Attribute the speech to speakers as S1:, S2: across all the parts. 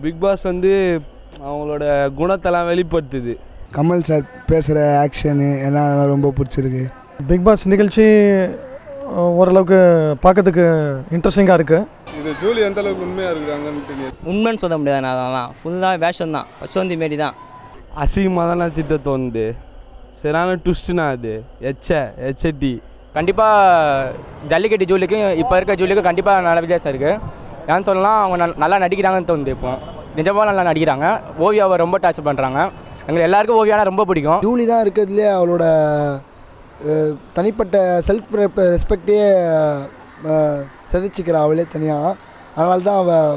S1: Big Boss வந்து அவங்களோட குணத்தெல்லாம் வெளிப்படுத்துது.
S2: கமல் சார் பேசுகிற ஆக்ஷனு எல்லாம் ரொம்ப பிடிச்சிருக்கு.
S3: பிக் பாஸ் நிகழ்ச்சி ஓரளவுக்கு பார்க்கறதுக்கு இன்ட்ரெஸ்டிங்காக இருக்குது.
S4: இது ஜூலி எந்த அளவுக்கு உண்மையாக இருக்கிறாங்கன்னு
S5: உண்மைன்னு சொல்ல முடியாது. நான் அதெல்லாம் ஃபுல்லாக வேஷம் தான், வசந்தி மாரி தான்.
S1: அசிங்கமாக தான் நான் திட்ட தோணுது. சரியான ட்விஸ்ட்டுனா அது ஹெச்டி.
S6: கண்டிப்பாக ஜல்லிக்கட்டு ஜூலிக்கும் இப்போ இருக்க ஜூலிக்கும் கண்டிப்பாக நல்ல வித்தியாசம் இருக்குது. ஏன்னு சொல்லலாம், அவங்க நல்லா நடிக்கிறாங்கன்னு தோணுது. இப்போ நிஜமாக நல்லா நடிக்கிறாங்க. ஓவியாவை ரொம்ப டச் பண்ணுறாங்க. எங்களுக்கு எல்லாருக்கும் ஓவியானா ரொம்ப பிடிக்கும்.
S2: ஜூலி தான் இருக்கிறதுலே அவளோட தனிப்பட்ட செல்ஃப் ரெஸ்பெக்டே செதைச்சிக்கிறா அவளே தனியாக. அதனால தான்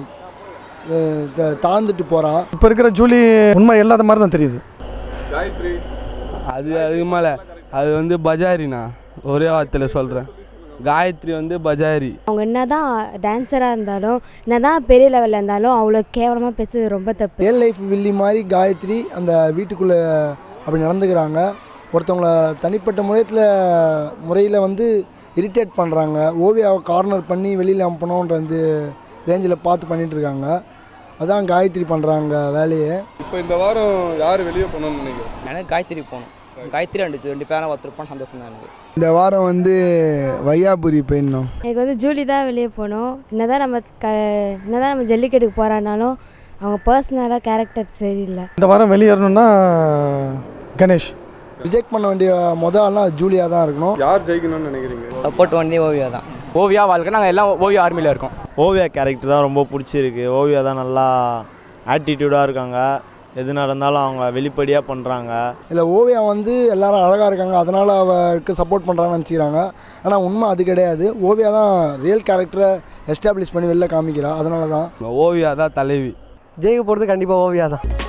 S2: அவள் தாழ்ந்துட்டு போகிறான்.
S3: இப்போ இருக்கிற ஜூலி உண்மை இல்லாத மாதிரி தான் தெரியுது.
S4: காயத்ரி
S1: அதுக்கு மேலே அது வந்து பஜாரிண்ணா, ஒரே வார்த்தையில் சொல்கிறேன். காயத்ரி வந்து பஜாரி.
S7: அவங்க என்ன தான் டான்ஸராக இருந்தாலும், என்ன தான் பெரிய லெவலில் இருந்தாலும் அவ்வளோ கேவலமாக பேசுறது ரொம்ப தப்பு.
S2: ரியல் லைஃப் வில்லி மாதிரி காயத்ரி அந்த வீட்டுக்குள்ளே அப்படி நடந்துக்கிறாங்க. ஒருத்தவங்கள தனிப்பட்ட முறையில் வந்து இரிட்டேட் பண்ணுறாங்க. ஓவியாவை கார்னர் பண்ணி வெளியில் அனுப்பணுன்ற வந்து ரேஞ்சில் பார்த்து பண்ணிகிட்ருக்காங்க. அதான் காயத்ரி பண்ணுறாங்க வேலையை.
S4: இப்போ இந்த வாரம் யார் வெளியே போகணும்னு நினைக்கிறேன்?
S5: எனக்கு காயத்ரி போகணும். காயத்ரி ரெண்டு பேரும் ஒருத்தருப்பான் சந்தோஷம் தான் எனக்கு.
S2: இந்த வாரம் வந்து வையாபுரி போயிடணும்.
S7: எனக்கு வந்து ஜூலி தான் வெளியே போகணும். என்னதான் நம்ம ஜல்லிக்கட்டுக்கு போகிறானாலும் அவங்க பர்சனலாக கேரக்டர் சரியில்லை.
S3: இந்த வாரம் வெளியேறணும்னா கணேஷ்.
S2: ரிஜெக்ட் பண்ண வேண்டிய ஆள்லாம் ஜூலியாக தான் இருக்கணும்.
S4: யார் ஜெயிக்கணும்னு நினைக்கிறீங்க?
S5: சப்போர்ட் பண்ணி ஓவியா தான்.
S6: ஓவியா வாழ்க்கை நாங்கள் எல்லாம் ஓவியா ஆர்மியில் இருக்கோம்.
S8: ஓவியா கேரக்டர் தான் ரொம்ப பிடிச்சிருக்கு. ஓவியா தான் நல்லா ஆட்டிடியூடாக இருக்காங்க. எது நடந்தாலும் அவங்க வெளிப்படையாக பண்ணுறாங்க.
S2: இல்லை, ஓவியா வந்து எல்லாரும் அழகாக இருக்காங்க, அதனால் அவருக்கு சப்போர்ட் பண்ணுறாங்கன்னு நினச்சிக்கிறாங்க. ஆனால் உண்மை அது கிடையாது. ஓவியா தான் ரியல் கேரக்டரை எஸ்டாப்ளிஷ் பண்ணி வெளில காமிக்கிறா. அதனால தான்
S1: ஓவியா தான் தலைவி.
S3: ஜெயிக்க போகிறது கண்டிப்பாக ஓவியா தான்.